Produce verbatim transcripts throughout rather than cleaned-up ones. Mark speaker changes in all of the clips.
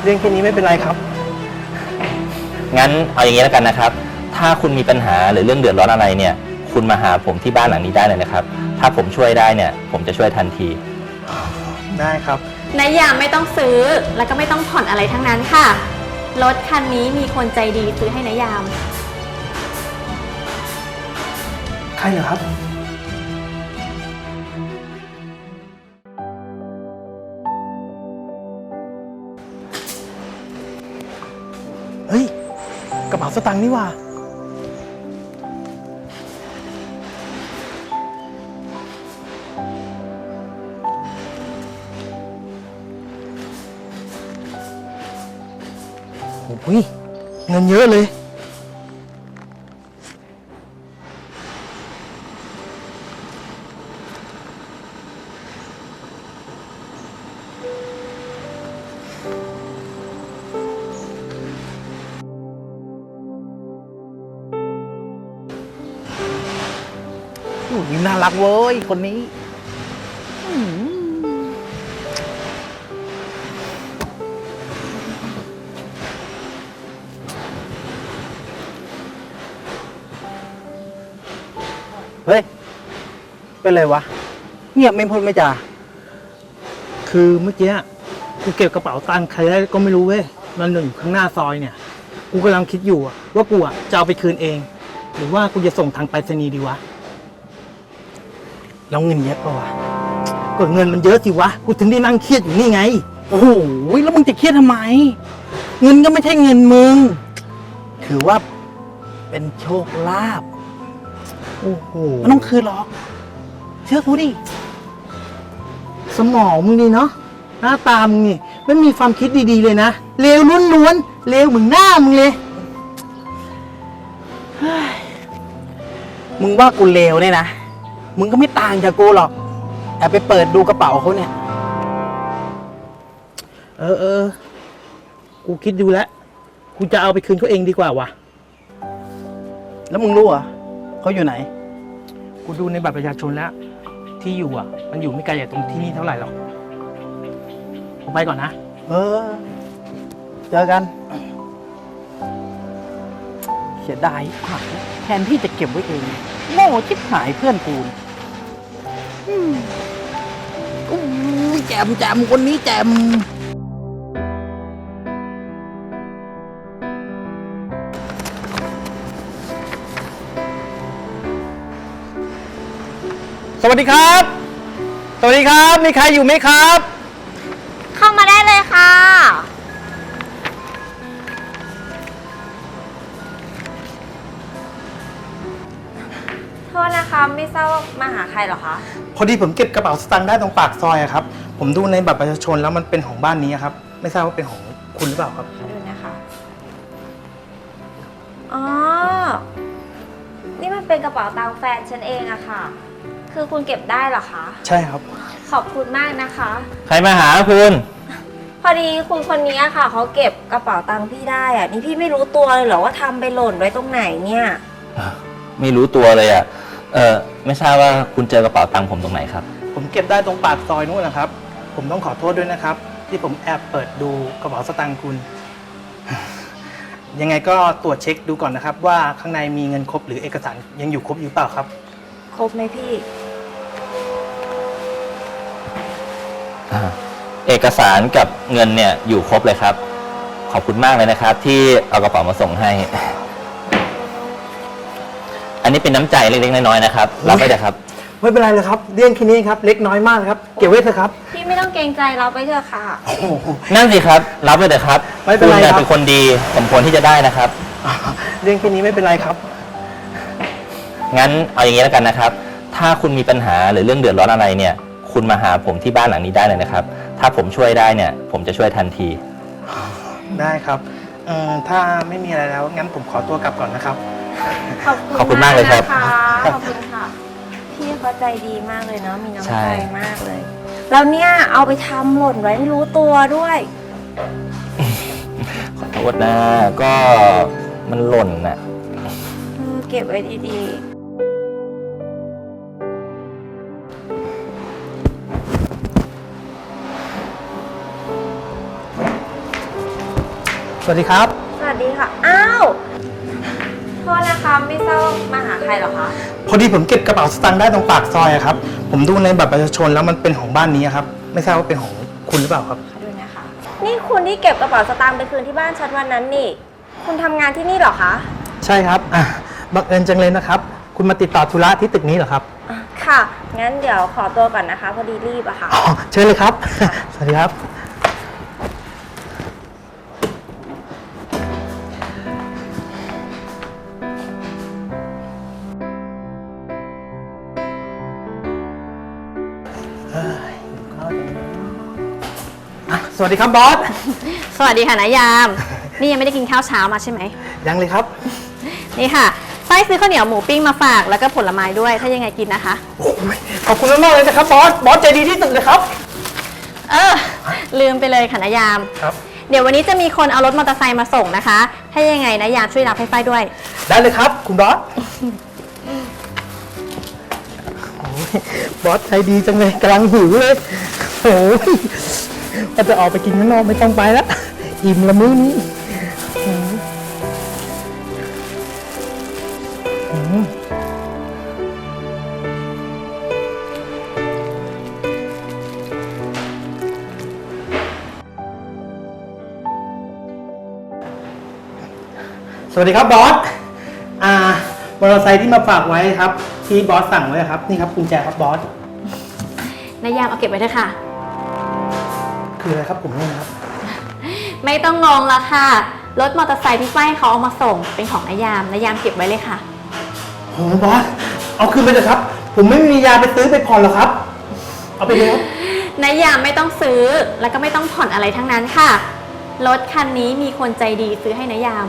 Speaker 1: รื่องแค่นี้ไม่เป็นไรครับ
Speaker 2: งั้นเอาอย่างนี้แล้วกันนะครับถ้าคุณมีปัญหาหรือเรื่องเดือดร้อนอะไรเนี่ยคุณมาหาผมที่บ้านหลังนี้ได้เลยนะครับถ้าผมช่วยได้เนี่ยผมจะช่วยทันที
Speaker 1: ได้ครับ
Speaker 3: นายยามไม่ต้องซื้อแล้วก็ไม่ต้องผ่อนอะไรทั้งนั้นค่ะรถคันนี้มีคนใจดีซื้อให้นายยาม
Speaker 1: ใครเหรอครับเฮ้ยกระเป๋าสตางค์นี่ว่าโอ้ยเงินเยอะเลยนี่น่ารักเว้ยคนนี้เฮ้ยเป็นไรวะเงียบไม่พูดไม่จาคือเมื่อกี้กูเก็บกระเป๋าตังค์ใครได้ก็ไม่รู้เว้ยมันอยู่ข้างหน้าซอยเนี่ยกูกำลังคิดอยู่ว่ากูอ่ะจะเอาไปคืนเองหรือว่ากูจะส่งทางไปรษณีย์ดีวะแล้วเงินเยอะปะวะก็เงินมันเยอะสิวะกูถึงได้นั่งเครียดอยู่นี่ไงโอ้โหแล้วมึงจะเครียดทำไมเงินก็ไม่ใช่เงินมึงถือว่าเป็นโชคลาภโอ้โหไม่ต้องคืนหรอกเชื่อกูดิสมองมึงดีเนาะหน้าตามึงนี่ไม่มีความคิดดีๆเลยนะเลวล้วนๆเลวเหมือนหน้ามึงเลยมึงว่ากูเลวเนี่ยนะมึงก็ไม่ต่างจากกูหรอกแอบไปเปิดดูกระเป๋าเขาเนี่ยเออเออกูคิดดูแล้วกูจะเอาไปคืนเขาเองดีกว่าวะแล้วมึงรู้เหรอเขาอยู่ไหนกูดูในบัตรประชาชนแล้วที่อยู่อ่ะมันอยู่ไม่ไกลจากตรงที่นี่เท่าไหร่หรอกผมไปก่อนนะเออเจอกันเสียดายผักแทนที่จะเก็บไว้เองโง่ชิบหายเพื่อนกูอู้แจมแจมคนนี้แจมสวัสดีครับสวัสดีครับมีใครอยู่ไหมครับ
Speaker 3: เข้ามาได้เลยค่ะโทษนะคะไม่ทราบว่ามาหาใครเหรอคะ
Speaker 1: พอดีผมเก็บกระเป๋าสตางค์ได้ตรงปากซอยอะครับผมดูในบัตรประชาชนแล้วมันเป็นของบ้านนี้ครับไม่ทราบว่าเป็นของคุณหรือเปล่าครับ
Speaker 3: ดูนะคะอ๋อนี่มันเป็นกระเป๋าตังค์แฟนฉันเองอะค่ะคือคุณเก็บได้เหรอคะ
Speaker 1: ใช่ครับ
Speaker 3: ขอบคุณมากนะคะ
Speaker 2: ใครมาหาคุณ
Speaker 3: พอดีคุณคนนี้ค่ะเขาเก็บกระเป๋าตังค์พี่ได้อะนี่พี่ไม่รู้ตัวเลยเหรอว่าทำไปหล่นไว้ตรงไหนเนี่ย
Speaker 2: ไม่รู้ตัวเลยอ่ะเออไม่ทราบว่าคุณเจอกระเป๋าตังค์ผมตรงไหนครับ
Speaker 1: ผมเก็บได้ตรงปากซอยนู้นนะครับผมต้องขอโทษด้วยนะครับที่ผมแอบเปิดดูกระเป๋าสตางค์คุณยังไงก็ตรวจเช็คดูก่อนนะครับว่าข้างในมีเงินครบหรือเอกสารยังอยู่ครบอยู่เปล่าครับ
Speaker 3: ครบไหมพี่
Speaker 2: เอกสารกับเงินเนี่ยอยู่ครบเลยครับขอบคุณมากเลยนะครับที่เอากระเป๋ามาส่งให้อันนี้เป็นน้ำใจเล็กๆน้อยๆนะครับรับไปเถอะครับ
Speaker 1: ไม่เป็นไรเลยครับเรื่องแค่นี้ครับเล็กน้อยมากครับเก็บไว้เถอะครับ
Speaker 3: พี่ไม่ต้องเกรงใจเราไปเถอะค่ะ
Speaker 2: นั่นสิครับรับไปเถอะครับ
Speaker 1: ไม่เป็นไรครับ
Speaker 2: เป็นคนดีสมควรที่จะได้นะครับ
Speaker 1: เรื่องแค่นี้ไม่เป็นไรครับ
Speaker 2: งั้นเอาอย่างนี้แล้วกันนะครับถ้าคุณมีปัญหาหรือเรื่องเดือดร้อนอะไรเนี่ยคุณมาหาผมที่บ้านหลังนี้ได้เลยนะครับถ้าผมช่วยได้เนี่ยผมจะช่วยทันที
Speaker 1: ได้ครับเอ่อถ้าไม่มีอะไรแล้วงั้นผมขอตัวกลับก่อนนะครับ
Speaker 2: ขอบคุณมากเลยครับ
Speaker 3: ขอบคุณค่ะพี่เขาใจดีมากเลยเนาะมีน้ำใจมากเลยแล้วเนี่ยเอาไปทำหล่นไว้ไม่รู้ตัวด้วย
Speaker 2: ขอโทษนะก็มันหล่นน่ะ
Speaker 3: เก็บไว้ดีๆ
Speaker 1: สวัสดีครับ
Speaker 3: สวัสดีค่ะ อ้าวโทษนะคะไม่ทราบว่ามาหาใครเหรอคะ
Speaker 1: พอดีผมเก็บกระเป๋าสตางค์ได้ตรงปากซอยอะครับ ผมดูในบัตรประชาชนแล้วมันเป็นของบ้านนี้ครับ ไม่ทราบว่าเป็นของคุณหรือเปล่าครับ
Speaker 3: ขอดูนะคะ นี่คุณที่เก็บกระเป๋าสตางค์ไปคืนที่บ้านฉันวันนั้นนี่ คุณทำงานที่นี่เหรอคะ
Speaker 1: ใช่ครับอ่ะบังเอิญจังเลยนะครับ คุณมาติดต่อธุระที่ตึกนี้เหรอครับ
Speaker 3: อ่ะค่ะ งั้นเดี๋ยวขอตัวก่อนนะคะ พอดีรีบอะค่ะ
Speaker 1: อ๋อเชิญเลยครับ สวัสดีครับ อ่ะสวัสดีครับบอส
Speaker 4: สวัสดีค่ะนายาม นี่ยังไม่ได้กินข้าวเช้ามาใช่ไหม
Speaker 1: ยังเลยครับ
Speaker 4: นี่ค่ะไส้ซื้อข้าวเหนียวหมูปิ้งมาฝากแล้วก็ผลไม้ด้วยถ้ายังไงกินนะคะ
Speaker 1: โอ้ยขอบคุณมากๆเลยนะครับบอส บอสใจดีที่สุดเลยครับ
Speaker 4: เออ ลืมไปเลยค่ะนายาม
Speaker 1: ครับ
Speaker 4: เดี๋ยววันนี้จะมีคนเอารถมอเตอร์ไซค์มาส่งนะคะ ถ้ายังไงนายามช่วยรับให้ฝ้ายด้วย
Speaker 1: ได้เลยครับ คุณบอส โอ้ยบอสใจดีจังเลยกำลังหิวเลย โอ้ยเราจะออกไปกินข้างนอกไม่ต้องไปแล้ว อิ่มละมื้อนี้อืมอืมสวัสดีครับบอส อ่ามอเตอร์ไซค์ที่มาฝากไว้ครับ ที่บอสสั่งไว้ครับ นี่ครับกุญแจครับบอส
Speaker 4: นายามเอาเก็บไว้เถอะค่ะ
Speaker 1: คืออะไรครับผมเนี่ยนะครับ
Speaker 4: ไม่ต้องงงละค่ะ รถมอเตอร์ไซค์ที่ฝ้ายเขาเอามาส่งเป็นของนายามนายามเก็บไว้เลยค่ะ
Speaker 1: โอ้บอส เอาคืนไปเถอะครับ ผมไม่มียาไปซื้อไปผ่อนหรอกครับ เอาไปเลยครับ
Speaker 4: นายามไม่ต้องซื้อแล้วก็ไม่ต้องผ่อนอะไรทั้งนั้นค่ะ รถคันนี้มีคนใจดีซื้อให้นายาม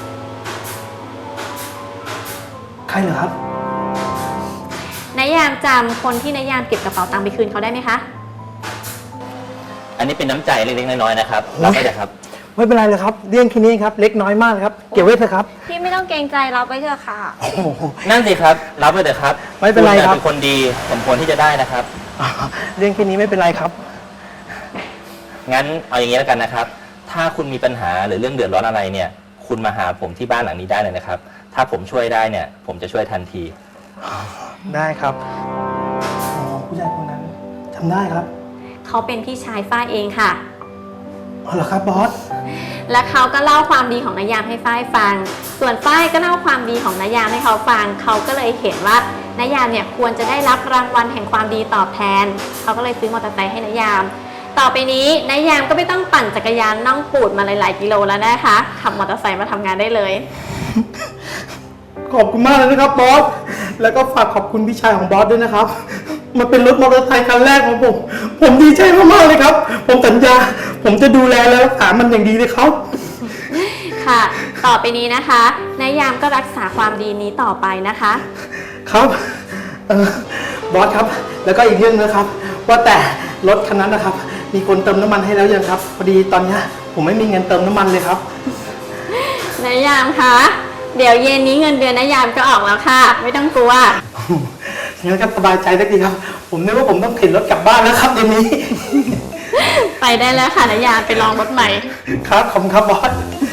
Speaker 1: ใครเหรอครับ
Speaker 4: นายามจำคนที่นายามเก็บกระเป๋าตังค์ไปคืนเขาได้ไหมคะ
Speaker 2: อันนี้เป็นน้ำใจเล็กๆน้อยๆนะครับรับไปเลยครับ
Speaker 1: ไม่เป็นไรเลยครับ เรื่องแค่นี้ครับ เล็กน้อยมากเลยครับ เก็บไว้เถอะครับ
Speaker 3: พี่ไม่ต้องเกรงใจเราไปเถอะค่ะ
Speaker 1: โอ้โห
Speaker 2: นั่นสิครับ รับไปเถอะครับ
Speaker 1: ไม่เป็นไร
Speaker 2: ณ
Speaker 1: ครับ
Speaker 2: เป็นคนดีสมควรที่จะได้นะครับ
Speaker 1: อ่าเรื่องแค่นี้ไม่เป็นไรครับ
Speaker 2: งั้นเอาอย่างนี้แล้วกันนะครับ ถ้าคุณมีปัญหาหรือเรื่องเดือดร้อนอะไรเนี่ย คุณมาหาผมที่บ้านหลังนี้ได้เลยนะครับ ถ้าผมช่วยได้เนี่ย ผมจะช่วยทันที
Speaker 1: ได้ครับอ๋อผู้ชายคนนั้นจำได้ครับ
Speaker 4: เขาเป็นพี่ชายฝ้ายเองค่ะ
Speaker 1: อ๋อเหรอครับบอส
Speaker 4: และเขาก็เล่าความดีของนายามให้ฝ้ายฟัง ส่วนฝ้ายก็เล่าความดีของนายามให้เขาฟัง เขาก็เลยเห็นว่านายามเนี่ยควรจะได้รับรางวัลแห่งความดีตอบแทน เขาก็เลยซื้อมอเตอร์ไซค์ให้นายาม ต่อไปนี้นายามก็ไม่ต้องปั่นจักรยานน่องปูดมาหลายๆกิโลแล้วนะคะ ขับมอเตอร์ไซค์มาทำงานได้เลย
Speaker 1: ขอบคุณมากเลยนะครับบอส แล้วก็ฝากขอบคุณพี่ชายของบอสด้วยนะครับ มันเป็นรถมอเตอร์ไซค์คันแรกของผม ผมดีใจมากๆเลยครับ ผมสัญญา ผมจะดูแลและรักษามันอย่างดีเลยครับ
Speaker 4: ค่ะ ต่อไปนี้นะคะนายามก็รักษาความดีนี้ต่อไปนะคะ
Speaker 1: ครับเออบอสครับ แล้วก็อีกเรื่องนะครับ ว่าแต่รถคันนั้นนะครับ มีคนเติมน้ำมันให้แล้วยังครับ พอดีตอนเนี้ยผมไม่มีเงินเติมน้ำมันเลยครับ
Speaker 4: นายามคะเดี๋ยวเย็นนี้เงินเดือนนายามก็ออกแล้วค่ะ ไม่ต้องกลัว
Speaker 1: งั้นก็สบายใจได้ดีครับ ผมนึกว่าผมต้องเข็นรถกลับบ้านแล้วครับเดี๋ยวนี้
Speaker 4: ไปได้แล้วค่ะนายามไปลองรถใหม่
Speaker 1: ครับขอบคุณครับบอส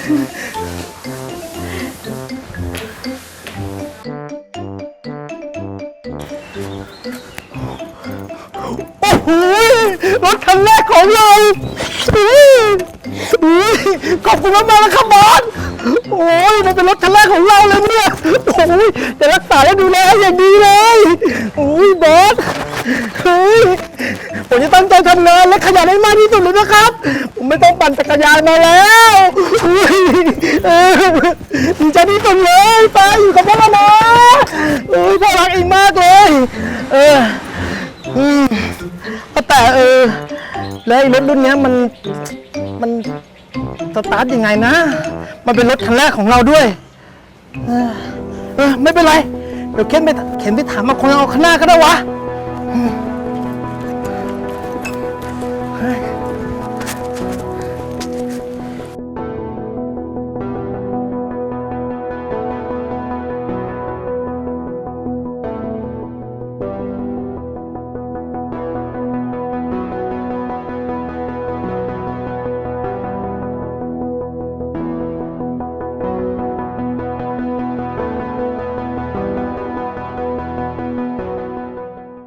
Speaker 1: โอ้โหรถคันแรกของเราอุ๊ยอุ๊ยขอบคุณมากๆนะครับบอส โอ้ยมันเป็นรถคันแรกของเราเลยเนี่ย โอ้ยจะรักษาและดูแลให้อย่างดีเลยโอ้ยบอส เฮ้ย ผมจะตั้งใจทำงานและขยันให้มากที่สุดเลยนะครับ ผมไม่ต้องปั่นจักรยานมาแล้วอุ๊ยเออดีใจที่สุดเลยไปอยู่กับพ่อแล้วนะโอ้ยพ่อรักเองมากเลย เออ อืมแต่เออ แล้วไอ้รถรุ่นเนี้ยมัน มันสตาร์ทยังไงนะ มันเป็นรถคันแรกของเราด้วย เออ เออ ไม่เป็นไร เดี๋ยวเข็นไปเข็นไปถามมาคนเอาข้างหน้าก็ได้วะ